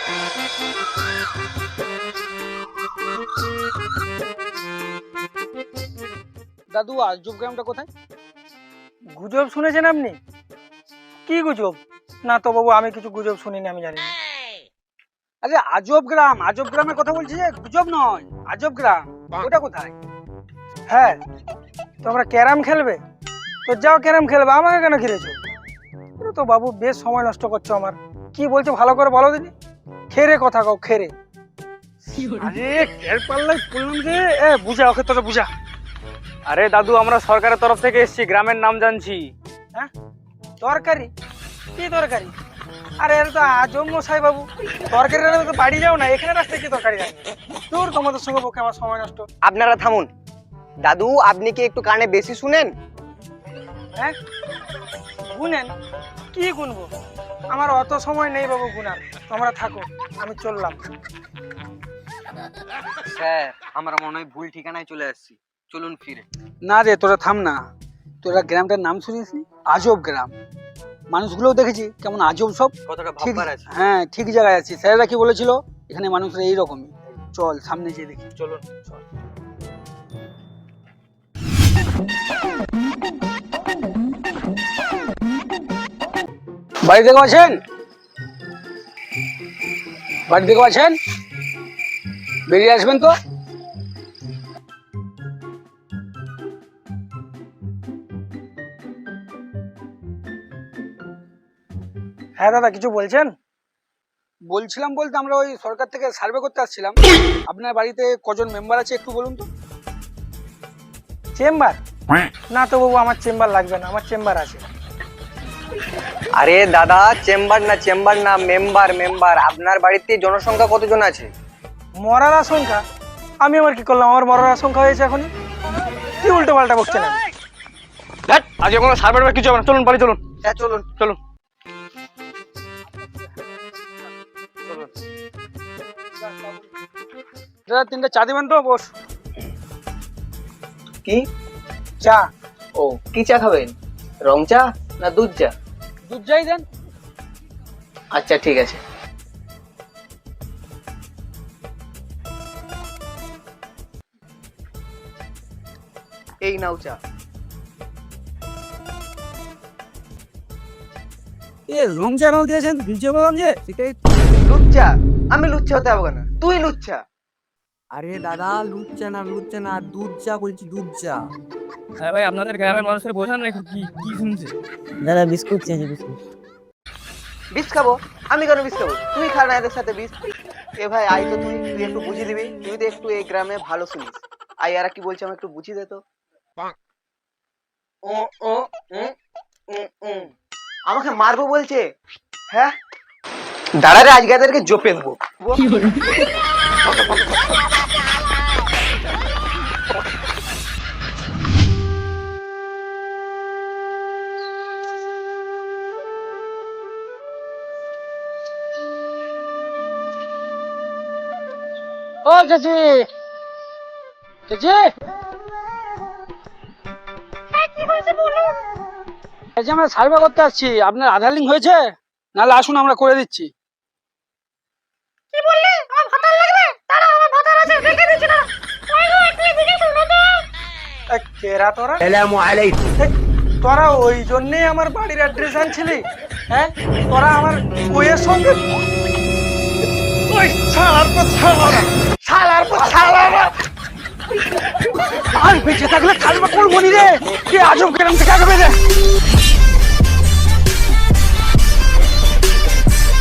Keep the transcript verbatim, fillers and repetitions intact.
দাদু আজব গ্রামটা কোথায়? গুজব শুনেছেন আপনি? কি গুজব? না তো বাবু, আমি কিছু গুজব শুনিনি, আমি জানি না। আরে আজব গ্রাম, আজব গ্রামের কথা বলছি, যে গুজব নয়, আজব গ্রাম ওটা কোথায়? হ্যাঁ, তোমরা ক্যারাম খেলবে তো যাও ক্যারাম খেলবে, আমাকে কেন ঘিরেছো? পুরো তো বাবু বেশ সময় নষ্ট করছো আমার। কি বলছো ভালো করে বলো দিদি। খেরে কথা কও, খেরে। আরে এর পাল্লাই বললাম যে এ বুঝা, ওকে তোরা বুঝা। আরে দাদু, আমরা সরকারের তরফ থেকে এসেছি, গ্রামের নাম জানছি। হ্যাঁ, তরকারি? কি তরকারি? আরে এটা তো আজব মশাই বাবু, তরকারি রান্না তো বাড়ি যাও না, এখানে রাস্তায় কি তরকারি রান্না? দূর, তোমাদের সঙ্গে পক্ষে আমার সময় নষ্ট। আপনারা থামুন। দাদু, আপনি কি একটু কানে বেশি শুনেন? হ্যাঁ, গুনেন? কি গুনবো? আমার অত সময় নেই বাবু গুনার, তোমরা থাকো, আমি চললাম। স্যার, আমরা মনে হয় ভুল ঠিকানায় চলে আসছি, চলুন ফিরে। না রে, তোরা থাম না। তোরা গ্রামটার নাম শুনিস? আজব গ্রাম। মানুষগুলোও দেখেছি কেমন আজব সব। কতটা ঠিক, ভাববার আছে। হ্যাঁ ঠিক জায়গায় আছি। স্যারেরা কি বলেছিল এখানে মানুষরা এইরকমই। চল সামনে যেয়ে দেখি। চলুন। চল। বাড়ি থেকে আছেন? বাড়ি থেকে আছেন? বেরিয়ে আসবেন তো। হ্যাঁ দাদা, কিছু বলছেন? বলছিলাম বলতে আমরা ওই সরকার থেকে সার্ভে করতে আসছিলাম। আপনার বাড়িতে কজন মেম্বার আছে একটু বলুন তো। চেম্বার? না তো বাবু, আমার চেম্বার লাগবে না, আমার চেম্বার আছে। আরে দাদা, চেম্বার না চেম্বার না মেম্বার মেম্বার। আপনার বাড়িতে জনসংখ্যা কতজন আছে? মরার আশঙ্কা? আমি আবার কি করলাম? আমার মরার আশঙ্কা হয়েছে এখনই? কি উল্টো পাল্টা বকছেন? আজকে কোনো সার্ভে কিছু হবে না, চলুন বাড়ি চলুন। হ্যাঁ চলুন চলুন। দাদা তিনটা চা দিবেন তো? বস। কি চা? ও, কি চা খাবেন? রং চা না দুধ চা? দুধ চাই দেন। আচ্ছা ঠিক আছে। এই নাও চা। এ রং চা নাও দিয়েছেন, ভিজে বললাম যে সেটাই। লুচ্চা? আমি লুচ্চা হতে হবে কেন? তুই লুচ্চা। আরে দাদা, লুচ্চা না লুচ্চা না, দুধ চা বলছি, দুধ চা। হ্যাঁ ভাই, আপনাদের গ্রামের মানুষের বোঝান না কি কি শুনছে। দাদা বিস্কুট চেয়েছি, বিস্কুট। বিষ খাবো? আমি কেন বিষ খাবো? তুই খা না এদের সাথে বিষ। এ ভাই আই তো, তুই তুই একটু বুঝিয়ে দিবি। তুই তো একটু এই গ্রামে ভালো শুনিস। আই আর কি বলছে, আমি একটু বুঝিয়ে দে তো। ও ও উম, উম, উম। আমাকে মারবো বলছে? হ্যাঁ দাঁড়া রে, আজকে এদেরকে জপে দেবো। ও চাচি, চাচি, এই যে আমরা সার্ভে করতে আসছি, আপনার আধার লিঙ্ক হয়েছে? নাহলে আসুন আমরা করে দিচ্ছি। কি বললি? আমার ভাতার লাগবে? দাঁড়া, আমার ভাতার আছে, দেখে দিচ্ছি না। ওই গো, একটু এদিকে শুনো তো। এ কেরা তোরা? আসসালামু আলাইকুম। এ, তোরা ওই জন্যই আমার বাড়ির অ্যাড্রেস আনছিলি? হ্যাঁ, তোরা আমার বইয়ের সঙ্গে ওই শালার পর শালারা, শালার পর শালারা। আর বেঁচে থাকলে খালবা করবো নি রে। কে আজব গ্রাম থেকে আগে বেরে।